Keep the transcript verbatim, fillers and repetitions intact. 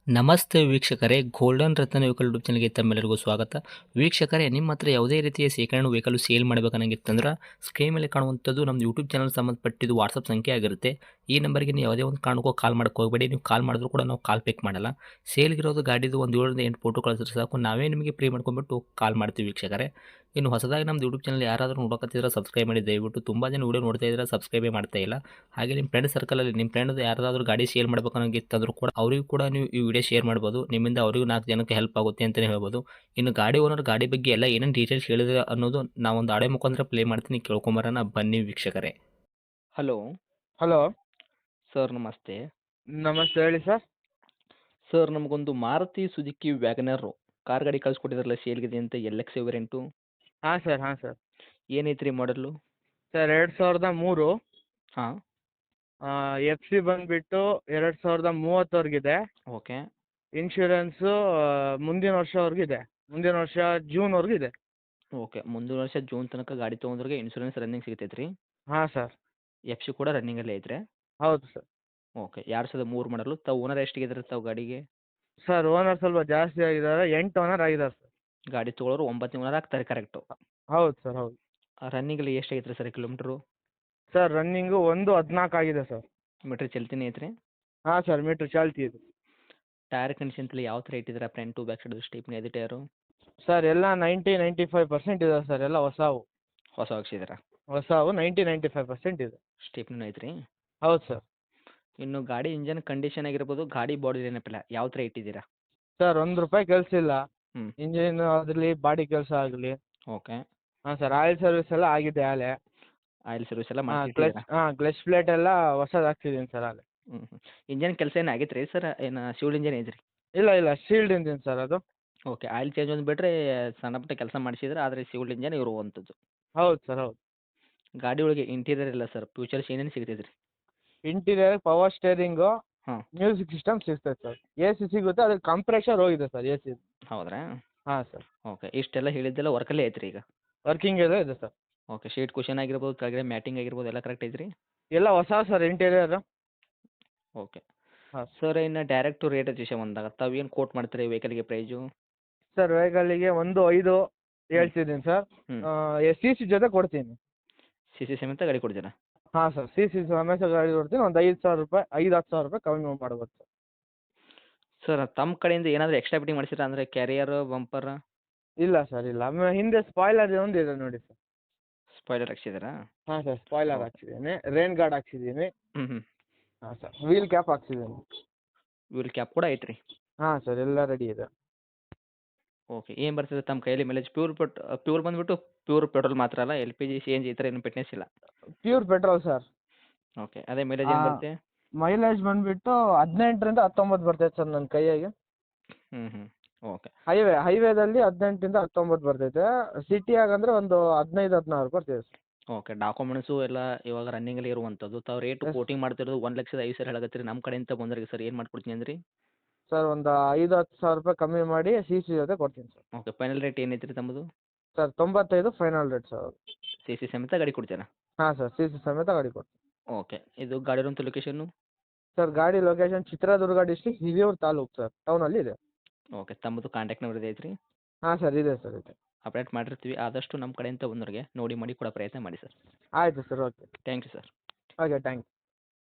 ನಮಸ್ತೆ ವೀಕ್ಷಕರೇ, ಗೋಲ್ಡನ್ ರತ್ನ vehicle YouTube ಚಾನಲ್ಗೆ ತಮ್ಮೆಲ್ಲರಿಗೂ ಸ್ವಾಗತ. ವೀಕ್ಷಕರೇ, ನಿಮ್ಮ ಹತ್ರ ಯಾವುದೇ ರೀತಿಯ ಶೇಖರಣೆ ವೆಹಿಕಲ್ ಸೇಲ್ ಮಾಡಬೇಕನ್ನಂಗಿತ್ತಂದ್ರೆ ಸ್ಕ್ರೀನ್ ಮೇಲೆ ಕಾಣುವಂಥದ್ದು ನಮ್ಮ ಯೂಟ್ಯೂಬ್ ಚಾನಲ್ ಸಂಬಂಧಪಟ್ಟಿದ್ದು ವಾಟ್ಸಪ್ ಸಂಖ್ಯೆ ಆಗಿರುತ್ತೆ. ಈ ನಂಬರ್ಗೆ ನೀವು ಯಾವುದೇ ಒಂದು ಕಾರಣಕ್ಕೂ ಕಾಲ್ ಮಾಡಕ್ಕೆ ಹೋಗಬೇಡಿ. ನೀವು ಕಾಲ್ ಮಾಡಿದ್ರು ಕೂಡ ನಾವು ಕಾಲ್ ಪಿಕ್ ಮಾಡಲ್ಲ. ಸೇಲ್ಗಿರೋದು ಗಾಡಿದು ಒಂದು ಏಳರಿಂದ ಎಂಟು ಫೋಟೋ ಕಳಿಸಿದ್ರೆ ಸಾಕು, ನಾವೇ ನಿಮಗೆ ಪ್ರೀ ಮಾಡ್ಕೊಂಡ್ಬಿಟ್ಟು ಕಾಲ್ ಮಾಡ್ತೀವಿ ವೀಕ್ಷಕರೇ. ಇನ್ನು ಹೊಸದಾಗಿ ನಮ್ಮದು ಯೂಟ್ಯೂಬ್ ಚಾನಲ್ ಯಾರಾದರೂ ನೋಡೋಕತ್ತಿದ್ರೆ ಸಬ್ಸ್ಕ್ರೈಬ್ ಮಾಡಿ ದಯವಿಟ್ಟು. ತುಂಬ ಜನ ವೀಡಿಯೋ ನೋಡ್ತಾ ಇದ್ದಾರೆ, ಸಬ್ಸ್ಕ್ರೈಬೇ ಮಾಡ್ತಾ ಇಲ್ಲ. ಹಾಗೆ ನಿಮ್ಮ ಫ್ರೆಂಡ್ ಸರ್ಕಲಲ್ಲಿ ನಿಮ್ಮ ಫ್ರೆಂಡ್ ಯಾರಾದರೂ ಗಾಡಿ ಸೇಲ್ ಮಾಡ್ಬೇಕನ್ನೋಂಗಿತ್ತಂದ್ರೂ ಕೂಡ ಅವರಿಗೂ ಕೂಡ ನೀವು ಈ ವಿಡಿಯೋ ಶೇರ್ ಮಾಡ್ಬೋದು. ನಿಮ್ಮಿಂದ ಅವರಿಗೂ ನಾಲ್ಕು ಜನಕ್ಕೆ ಹೆಲ್ಪ್ ಆಗುತ್ತೆ ಅಂತಲೇ ಹೇಳ್ಬೋದು. ಇನ್ನು ಗಾಡಿ ಓನರ್ ಗಾಡಿ ಬಗ್ಗೆ ಎಲ್ಲ ಏನೇನು ಡೀಟೇಲ್ಸ್ ಹೇಳಿದ್ರೆ ಅನ್ನೋದು ನಾವೊಂದು ಆಡೆ ಮುಖಾಂತರ ಪ್ಲೇ ಮಾಡ್ತೀನಿ, ಕೇಳ್ಕೊಂಬರೋಣ ಬನ್ನಿ ವೀಕ್ಷಕರೇ. ಹಲೋ ಹಲೋ ಸರ್, ನಮಸ್ತೆ. ನಮಸ್ತೆ, ಹೇಳಿ ಸರ್. ಸರ್, ನಮಗೊಂದು ಮಾರುತಿ ಸುಜುಕಿ ವ್ಯಾಗನರ್ ಕಾರ್ ಗಾಡಿ ಕಳಿಸ್ಕೊಟ್ಟಿದ್ರಲ್ಲ ಸೇಲ್ಗಿದೆ ಅಂತ, ಎಲ್ ಎಕ್ಸ್ ವೇರಿಯಂಟು. ಹಾಂ ಸರ್ ಹಾಂ ಸರ್ ಏನೈತ್ರಿ ಮಾಡಲು? ಸರ್ ಎರಡು ಸಾವಿರದ ಮೂರು ಹಾಂ, ಎಫ್ ಸಿ ಬಂದುಬಿಟ್ಟು ಎರಡು ಸಾವಿರದ ಮೂವತ್ತವರೆಗಿದೆ. ಓಕೆ ಇನ್ಶೂರೆನ್ಸು ಮುಂದಿನ ವರ್ಷವರೆಗೂ ಇದೆ. ಮುಂದಿನ ವರ್ಷ ಜೂನ್ವರೆಗೂ ಇದೆ. ಓಕೆ ಮುಂದಿನ ವರ್ಷ ಜೂನ್ ತನಕ ಗಾಡಿ ತೊಗೊಂಡ್ರಿಗೆ ಇನ್ಶೂರೆನ್ಸ್ ರನ್ನಿಂಗ್ ಸಿಗ್ತೈತೆ ರೀ. ಹಾಂ ಸರ್, ಎಫ್ ಸಿ ಕೂಡ ರನ್ನಿಂಗಲ್ಲೇ ಐತ್ರಿ. ಹೌದು ಸರ್. ಓಕೆ, ಎರಡು ಸಾವಿರದ ಮೂರು ಮಾಡಲು. ತಾವು ಓನರ್ ಎಷ್ಟಿಗಿದ್ರೆ ತಾವು ಗಾಡಿಗೆ? ಸರ್ ಓನರ್ ಸ್ವಲ್ಪ ಜಾಸ್ತಿ ಆಗಿದ್ದಾರೆ, ಎಂಟು ಓನರ್ ಆಗಿದ್ದಾರೆ ಸರ್. ಗಾಡಿ ತೊಗೊಳೋರು ಒಂಬತ್ತು ಓನರ್ ಆಗ್ತಾರೆ ಕರೆಕ್ಟು. ಹೌದು ಸರ್, ಹೌದು. ರನ್ನಿಂಗಲ್ಲಿ ಎಷ್ಟು ಐತ್ರಿ ಸರ್ ಕಿಲೋಮೀಟ್ರು? ಸರ್ ರನ್ನಿಂಗು ಒಂದು ಹದಿನಾಲ್ಕು ಆಗಿದೆ ಸರ್. ಮೀಟ್ರ್ ಚಲ್ತಿನೇ ಐತ್ರಿ. ಹಾಂ ಸರ್, ಮೀಟ್ರ್ ಚಾಲ್ತಿ ಇದೆ. ಟೈರ್ ಕಂಡೀಷನ್ ತಲೆ ಯಾವ ಥರ ಇಟ್ಟಿದ್ದೀರಾ? ಫ್ರಂಟು ಬ್ಯಾಕ್ ಸೈಡು ಸ್ಟೇಪ್ನಿ ಅದೇ ಟೈರು? ಸರ್ ಎಲ್ಲ ನೈಂಟಿ ನೈಂಟಿ ಫೈವ್ ಪರ್ಸೆಂಟ್ ಇದೆ ಸರ್, ಎಲ್ಲ ಹೊಸವು. ಹೊಸ ಹಾಕ್ಸಿದ್ದೀರಾ? ಹೊಸವು ನೈಂಟಿ ನೈಂಟಿ ಫೈವ್ ಪರ್ಸೆಂಟ್ ಇದೆ. ಸ್ಟೇಪ್ನೂ ಐತ್ರಿ. ಹೌದು ಸರ್. ಇನ್ನು ಗಾಡಿ ಇಂಜನ್ ಕಂಡೀಷನ್ ಆಗಿರ್ಬೋದು, ಗಾಡಿ ಬಾಡಿ ಏನಪ್ಪಿಲ್ಲ ಯಾವ ಥರ ಇಟ್ಟಿದ್ದೀರಾ? ಸರ್ ಒಂದು ರೂಪಾಯಿ ಕೆಲಸ ಇಲ್ಲ. ಹ್ಞೂ, ಇಂಜಿನ್ ಆಗಲಿ ಬಾಡಿ ಕೆಲಸ ಆಗಲಿ. ಓಕೆ. ಹಾಂ ಸರ್, ಆಯಿಲ್ ಸರ್ವಿಸ್ ಎಲ್ಲ ಆಗಿದೆ ಆಲೆ. ಆಯಿಲ್ ಸರ್ವಿಸ್ ಎಲ್ಲ ಹಾಂ ಕ್ಲಚ್ ಮಾಡಿಸಿದ್ದೀರಾ? ಹಾಂ ಕ್ಲಚ್ ಪ್ಲೇಟ್ ಎಲ್ಲ ಹೊಸದು ಹಾಕ್ಸಿದ್ದೀನಿ ಸರ್ ಆಲೆ. ಹ್ಞೂ ಹ್ಞೂ ಇಂಜನ್ ಕೆಲಸ ಏನು ಆಗೈತೆ ರೀ ಸರ್? ಏನು ಶಿವಲ್ ಇಂಜನ್ ಐತ್ರಿ? ಇಲ್ಲ ಇಲ್ಲ ಶೀಲ್ಡ್ ಇಂಜಿನ್ ಸರ್ ಅದು. ಓಕೆ, ಆಯಿಲ್ ಚೇಂಜ್ ಒಂದು ಬಿಟ್ಟರೆ ಸಣ್ಣ ಪುಟ್ಟ ಕೆಲಸ ಮಾಡಿಸಿದ್ರೆ, ಆದರೆ ಶಿವಲ್ ಇಂಜನ್ ಇರುವಂಥದ್ದು. ಹೌದು ಸರ್, ಹೌದು. ಗಾಡಿ ಒಳಗೆ ಇಂಟೀರಿಯರ್ ಇಲ್ಲ ಸರ್, ಫ್ಯೂಚರ್ಸ್ ಏನೇನು ಸಿಗ್ತೈತೆ ರೀ? ಇಂಟೀರಿಯರ್ ಪವರ್ ಸ್ಟೇರಿಂಗು, ಹಾಂ, ಮ್ಯೂಸಿಕ್ ಸಿಸ್ಟಮ್ ಸಿಗ್ತದೆ ಸರ್. ಎ ಸಿ ಸಿಗುತ್ತೆ, ಅದಕ್ಕೆ ಕಂಪ್ರೆಷರ್ ಹೋಗಿದೆ ಸರ್ ಎ ಸಿ. ಹೌದ್ರಾ? ಹಾಂ ಸರ್, ಓಕೆ, ಇಷ್ಟೆಲ್ಲ ಹೇಳಿದ್ದೆಲ್ಲ ವರ್ಕಲ್ಲೇ ಐತ್ರಿ ಈಗ? ವರ್ಕಿಂಗ್ ಎಲ್ಲ ಇದೆ ಸರ್. ಓಕೆ, ಶೀಟ್ ಕುಷನ್ ಆಗಿರ್ಬೋದು, ಕೆಳಗಡೆ ಮ್ಯಾಟಿಂಗ್ ಆಗಿರ್ಬೋದು ಎಲ್ಲ ಕರೆಕ್ಟ್ ಐತ್ರಿ? ಎಲ್ಲ ಹೊಸ ಸರ್ ಇಂಟೀರಿಯರ್. ಓಕೆ ಹಾಂ ಸರ್, ಇನ್ನು ಡೈರೆಕ್ಟು ರೇಟ್ ವಿಷಯ ಬಂದಾಗ ತಾವು ಏನು ಕೋಟ್ ಮಾಡ್ತೀರಿ ವೆಹಿಕಲ್ಗೆ ಪ್ರೈಸು? ಸರ್, ವೆಹಿಕಲ್ಲಿಗೆ ಒಂದು ಐದು ಹೇಳ್ತಿದ್ದೀನಿ ಸರ್. ಹ್ಞೂ, ಸಿ ಸಿ ಜೊತೆ ಕೊಡ್ತೀನಿ. ಸಿ ಸಿ ಸಮೇತ ಗಾಡಿ ಕೊಡ್ತೀರಾ? ಹಾಂ ಸರ್, ಸಿ ಸಿ ಸಮೇತ ಗಾಡಿ ಕೊಡ್ತೀನಿ. ಒಂದು ಐದು ಸಾವಿರ ರೂಪಾಯಿ ಐದು ಹತ್ತು ಸಾವಿರ ರೂಪಾಯಿ ಕಮ್ಮಿ ಮಾಡ್ಬೋದು ಸರ್. ಸರ್, ತಮ್ಮ ಕಡೆಯಿಂದ ಏನಾದರೂ ಎಕ್ಸ್ಟ್ರಾ ಫಿಟ್ಟಿಂಗ್ ಮಾಡಿಸಿರಾ? ಅಂದರೆ ಕ್ಯಾರಿಯರ್, ಬಂಪರ್? ಇಲ್ಲ ಸರ್, ಇಲ್ಲ. ಆಮೇಲೆ ಹಿಂದೆ ಸ್ಪಾಯ್ಲರ್ ಒಂದು ಇದೆ ನೋಡಿ ಸರ್. ಸ್ಪಾಯ್ಲರ್ ಹಾಕ್ಸಿದ್ದೀರಾ? ಹಾಂ ಸರ್, ಸ್ಪಾಯ್ಲರ್ ಓಕೆ. ಹಾಕ್ಸಿದ್ದೀನಿ, ರೈನ್ ಗಾರ್ಡ್ ಹಾಕ್ಸಿದ್ದೀನಿ. ಹ್ಞೂ ಹ್ಞೂ ಹಾಂ ಸರ್, ವೀಲ್ ಕ್ಯಾಪ್ ಹಾಕ್ಸಿದ್ದೀನಿ. ವೀಲ್ ಕ್ಯಾಪ್ ಕೂಡ ಐತ್ರಿ? ಹಾಂ ಸರ್, ಎಲ್ಲ ರೆಡಿ ಇದೆ. ಓಕೆ, ಏನು ಬರ್ತದೆ ತಮ್ಮ ಕೈಯಲ್ಲಿ ಮೈಲೇಜ್? ಪ್ಯೂರ್ ಪೆಟ್ ಪ್ಯೂರ್ ಬಂದುಬಿಟ್ಟು ಪ್ಯೂರ್ ಪೆಟ್ರೋಲ್ ಮಾತ್ರ ಅಲ್ಲ, L P G C N G ಈ ಥರ ಏನು ಫಿಟ್ನೆಸ್ ಇಲ್ಲ? Pure petrol sir. ಓಕೆ, ಅದೇ ಮೈಲೇಜ್ ಏನು ಬರುತ್ತೆ? ಮೈಲೇಜ್ ಬಂದುಬಿಟ್ಟು ಹದಿನೆಂಟರಿಂದ ಹತ್ತೊಂಬತ್ತು ಬರ್ತೈತೆ ಸರ್ ನನ್ನ ಕೈಯಾಗೆ. ಹ್ಞೂ ಹ್ಞೂ ಓಕೆ ಹೈವೇ ಹೈವೇದಲ್ಲಿ ಹದಿನೆಂಟರಿಂದ ಹತ್ತೊಂಬತ್ತು ಬರ್ತೈತೆ. ಸಿಟಿಯಾಗ ಅಂದರೆ ಒಂದು ಹದಿನೈದು ಹದಿನಾರು ಬರ್ತೈತೆ ಸರ್. ಓಕೆ, ಡಾಕ್ಯುಮೆಂಟ್ಸು ಎಲ್ಲ ಇವಾಗ ರನ್ನಿಂಗಲ್ಲಿ ಇರುವಂಥದ್ದು. ತಾವು ರೇಟು ಎಸ್ ಕೋಟಿಂಗ್ ಮಾಡ್ತಿರೋದು ಒಂದು ಲಕ್ಷದ ಐದು ಸಾವಿರ ಹೇಳಕತ್ತೀರಿ. ನಮ್ಮ ಕಡೆಯಿಂದ ಬಂದವ್ರಿಗೆ ಸರ್ ಏನು ಮಾಡ್ಕೊಡ್ತೀನಿ ಅಂದ್ರಿ? ಸರ್, ಒಂದು ಐದು ಹತ್ತು ಸಾವಿರ ರೂಪಾಯಿ ಕಮ್ಮಿ ಮಾಡಿ ಸಿ ಸಿ ಜೊತೆ ಕೊಡ್ತೀನಿ ಸರ್. ಓಕೆ, ಫೈನಲ್ ರೇಟ್ ಏನೈತೆ ರೀ ತಮ್ಮದು? ಸರ್, ತೊಂಬತ್ತೈದು final rate sir. C C ಸಮೇತ ಗಾಡಿ ಕೊಡ್ತೀರಾ? ಹಾಂ ಸರ್, ಸಿ ಸಿ ಸಮೇತ ಗಾಡಿ ಕೊಡ್ತೀನಿ. ಓಕೆ, ಇದು ಗಾಡಿ ಇರುವಂಥ ಲೊಕೇಶನ್ನು? ಸರ್, ಗಾಡಿ location Chitradurga district Hiriyur taluk sir, ಟೌನಲ್ಲಿ ಇದೆ. ಓಕೆ, ತಮ್ಮದು ಕಾಂಟ್ಯಾಕ್ಟ್ ನಂಬರ್ ಇದೆ ಐತ್ರಿ? ಹಾಂ ಸರ್, ಇದೆ ಸರ್, ಇದೆ. ಅಪ್ಡೇಟ್ ಮಾಡಿರ್ತೀವಿ. ಆದಷ್ಟು ನಮ್ಮ ಕಡೆಯಿಂದ ಬಂದವ್ರಿಗೆ ನೋಡಿ ಮಾಡಿ ಕೊಡೋ ಪ್ರಯತ್ನ ಮಾಡಿ ಸರ್. ಆಯಿತು sir, okay. Thank you sir. Okay, thank you.